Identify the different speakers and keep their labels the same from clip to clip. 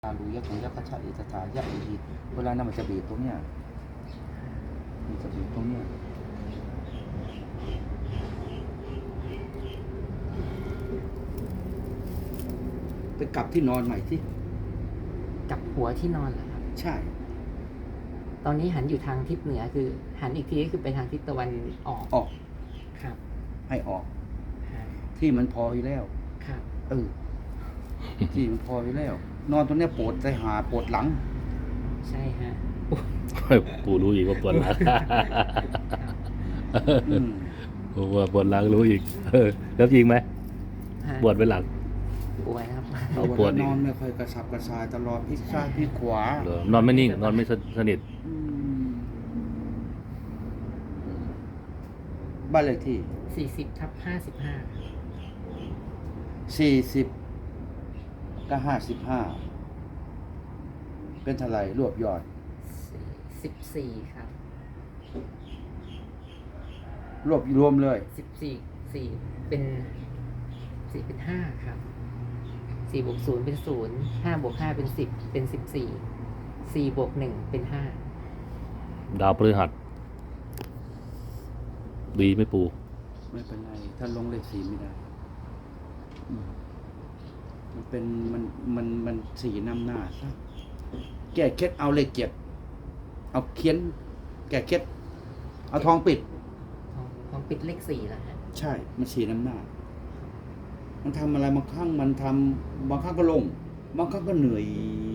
Speaker 1: รูยักษ์ของยักษ์ขชาอิสถายักษ์อีกเวลานั้นมันจะบีบตรงเนี้ยมันจะบีบตรงเนี้ยไปกลับที่นอนใหม่ที่
Speaker 2: กับหัวที่นอนเหรอครับ
Speaker 1: ใช่
Speaker 2: ตอนนี้หันอยู่ทางทิศเหนือคือ หันอีกทีก็คือไปทางทิศตะวันออก
Speaker 1: ออก
Speaker 2: ครับ
Speaker 1: ให้ออก
Speaker 2: ฮะ
Speaker 1: ที่มันพออยู่แล้ว
Speaker 2: ครับ
Speaker 1: ที่มันพออยู่แล้ว นอนตรงเนี้ยปวดใจหาปวดหลัง
Speaker 2: ใช่ฮะ
Speaker 3: ปู่รู้อีกว่าปวดหลัง
Speaker 1: อืม
Speaker 3: ปู่ว่าปวดหลังรู้อีกแล้วจริงไหม
Speaker 2: ฮะ
Speaker 3: ปวดไปหลัง
Speaker 2: ปวดครับ
Speaker 3: เอาปวดอีก
Speaker 1: นอนไม่ค่อยกระสับกระส่ายตลอดพลิกซ้ายพลิกขวา
Speaker 3: เหรอนอนไม่นิ่ง นอนไม่สนิท
Speaker 1: อืมบ้านเลขที่
Speaker 2: 40/55
Speaker 1: 40ก็55เป็นเท่าไหร่รวบยอด
Speaker 2: 14ครับ
Speaker 1: รวบรวมเลย
Speaker 2: 4เป็น4เป็น5ครับ4บวก0เป็น0 5บวก5เป็น10เป็น14 4บวก1เป็น5
Speaker 3: ดาวพฤหัสดีไหม่ปู่
Speaker 1: ไม่เป็นไร ถ้าลงเลข4ไม่ได้อืมมันเป็นมันสี่นำหน้าซะแก้เคล็ดเอาเลข7เอาเขียน แก้เคล็ดเอาทองปิด
Speaker 2: ของปิดเลข4แล้วฮะ
Speaker 1: ใช่ มันสี่นำหน้า มันทำอะไรบางครั้งมันทำบางครั้งก็ลง บางครั้งก็เหนื่อย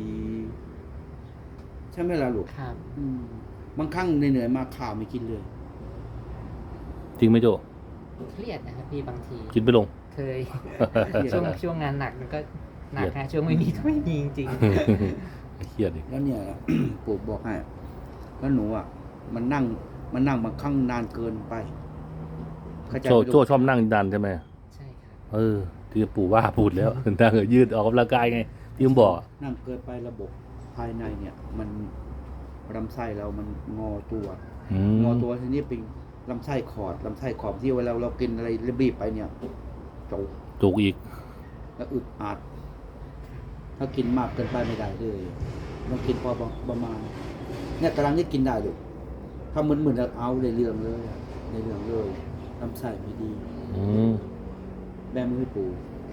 Speaker 1: ใช่ไหมล่ะลูก
Speaker 2: ครับ
Speaker 1: อืมบางครั้งเหนื่อยๆมาข้าวไม่กินเลย
Speaker 3: จริงไหมโจ
Speaker 2: เครียดนะครับพี่บางที
Speaker 3: กินไปลง
Speaker 2: เคย ช่วงงานหนักมันก็หนักฮะช่วงไม่มีก็ไม่มีจริง
Speaker 3: เครียดอีก
Speaker 1: แล้วเนี่ย ปู่บอกให้ แล้วหนูอ่ะ มันนั่งบางครั้งนานเกินไปเข้าใจ
Speaker 3: โจ
Speaker 1: ไหม
Speaker 3: โจชอบนั่งดันใช่ไหม
Speaker 2: ๆใช่ครับ
Speaker 3: ที่ปู่ว่าพูดแล้ว นั่งยืดออกกำลังกายไง ที่ผมบอก
Speaker 1: นั่งเกินไประบบภายในเนี่ย มันลำไส้เรามันงอตัว งอตัวทีนี้เป็นลำไส้ขอดที่เวลาเรากินอะไรรีบๆไปเนี่ยจุก
Speaker 3: จุกอีก
Speaker 1: แล้วอึดอัดถ้ากินมากเกินไปไม่ได้เลยต้องกินพอประมาณเนี่ยกำลังนี่กินได้อยู่ถ้ามึนๆเอาในเรื่องเลยลำไส้ไม่ดี
Speaker 3: อืม
Speaker 1: แม่มือให้ปู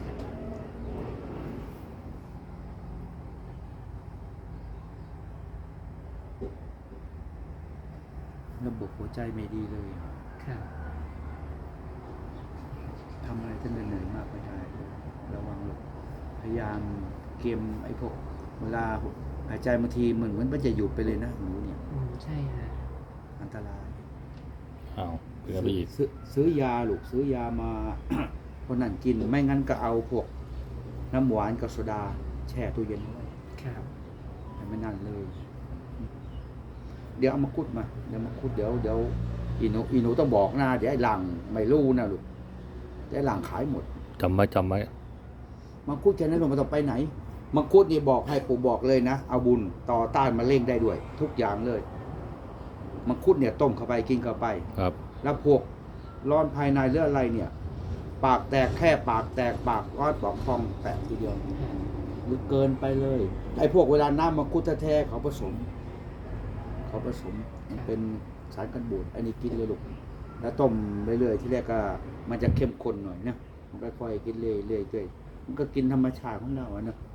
Speaker 1: ระบบหัวใจไม่ดีเลย
Speaker 2: ครับ
Speaker 1: ทำอะไรท่านเหนื่อยมากไม่ได้ระวังลูกพยายามเกมไอ้พวกเวลาหายใจบางทีเหมือนมันจะหยุดไปเลยนะหนูเนี่ย
Speaker 2: ใช่ฮะ
Speaker 1: อันตราย
Speaker 3: อ้าวเผื่อไปอีก
Speaker 1: ซื้อยาลูกซื้อยามา คนนั้นกินไม่งั้นก็เอาพวกน้ำหวานกับโซดา แช่ตู้เย็นไว้
Speaker 2: ครับ
Speaker 1: แต่ไม่นั่นเลย เดี๋ยวเอามาคุดมาเดี๋ยวอีหนูต้องบอกนะเดี๋ยวไอ้หลังไม่รู้นะลูกเดี๋ยวไอ้หลังขายหมด
Speaker 3: จำไว้
Speaker 1: มังคุดแค่นั้นมันต้องไปไหนมังคุดนี่บอกให้ปู่บอกเลยนะเอาบุญต่อต้านมะเร็งได้ด้วย ทุกอย่างเลยมังคุดเนี่ยต้มเข้าไปกินเข้าไป
Speaker 3: ครับ
Speaker 1: แล้วพวกร้อนภายในหรืออะไรเนี่ย ปากแตกแค่ปากแตกปากร้อนปากพองแตกทีเดียวหรือเกินไปเลยไอ้พวกเวลาน้ำมังคุดแท้ๆเขาผสมมันเป็นสารกันบูดอันนี้กินเลยลูกแล้วต้มเรื่อยๆที่แรกก็มันจะเข้มข้นหน่อยนะมันค่อยๆกินเรื่อยๆมันก็กินธรรมชาติของเราอะนะ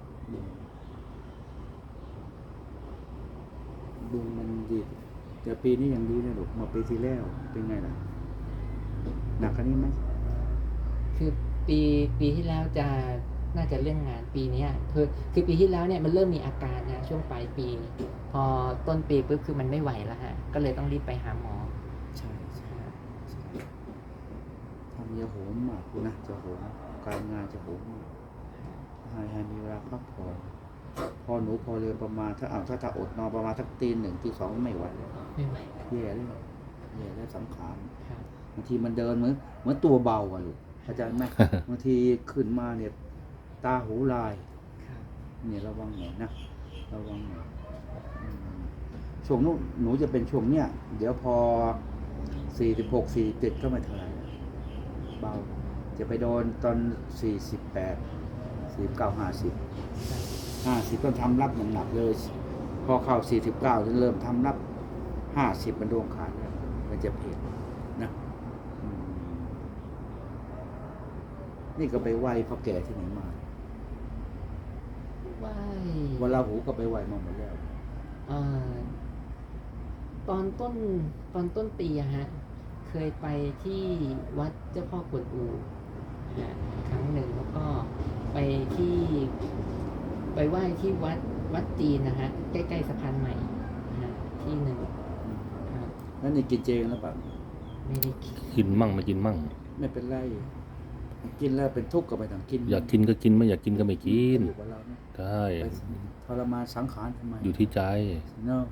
Speaker 1: ดูมันดีแต่ปีนี้ยังดีนะลูกมาปีที่แล้วเป็นไงล่ะหนักกว่านี้ไหม
Speaker 2: คือปีที่แล้วน่าจะเรื่องงานปีนี้คือปีที่แล้วเนี่ยมันเริ่มมีอาการนะช่วงปลายปี พอต้นปีปุ๊บคือมันไม่ไหวแล้วฮะก็เลยต้องรีบไปหาหมอ
Speaker 1: ใช่ทำยาโหมมากคุณนะจะโหมการงานจะโหมมากให้มีเวลาพักผ่อนพอหนูพอเรียนประมาณถ้าอดนอนประมาณสักตี 1 ตี 2ไม่ไหวแล้ว
Speaker 2: ไม่ไหว
Speaker 1: แย่แล้วสังขาร
Speaker 2: ครับ
Speaker 1: บางทีมันเดินเหมือนตัวเบาอะลูกเข้าใจไหม บางทีขึ้นมาเนี่ยตาหูลาย
Speaker 2: ครับ
Speaker 1: เนี่ยระวังหน่อยนะระวังหน่อยช่วงนู้นหนูจะเป็นช่วงเนี้ยเดี๋ยวพอ46 47ก็ไม่เท่าไหร่เบาจะไปโดนตอน48 49 50 50ต้องทำรับหนักๆเลย พอเข้า49จะเริ่มทำรับ50มันดวงขาดแล้วมันจะเพลนะอืมนี่ก็ไปไหว้พ่อแก่ที่ไหนมา
Speaker 2: ไหว้
Speaker 1: วันลาหูก็ไปไหว้มาหมดแล้ว
Speaker 2: เอ่อตอนต้นปีอะฮะ เคยไปที่วัดเจ้าพ่อกวนอูฮะครั้งหนึ่งแล้วก็ไปไหว้ที่วัดจีนนะฮะ ใกล้ๆสะพานใหม่นะฮะที่หนึ่งครับ
Speaker 1: นั่นนี่กินเจกันแล้วเปล่า
Speaker 2: ไม่ได้คิด
Speaker 3: กินมั่งไม่กินมั่ง
Speaker 1: ไม่เป็นไร กินแล้วเป็นทุกข์ก็ไปทางกิน
Speaker 3: อยากกินก็กินไม่อยากกินก็ไม่กิน
Speaker 1: อยู่กับเราเนี่ย
Speaker 3: ใช่
Speaker 1: ไปทรมานสังขารทำไม
Speaker 3: อยู่ที่ใจ
Speaker 1: เนาะ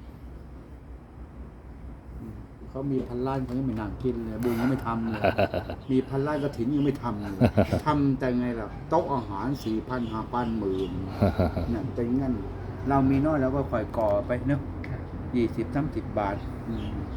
Speaker 1: เขามีพันล้านเขายังไม่นั่งกินเลยบุญยังไม่ทำเลย มีพันล้านกระถินยังไม่ทำเลยทำแต่ไงล่ะโต๊ะอาหาร 4,000 5,000 10,000นั่นเป็นงั้น เรามีน้อยเราก็ค่อยก่อไปเนาะ
Speaker 2: ครับ
Speaker 1: 20-30 บาท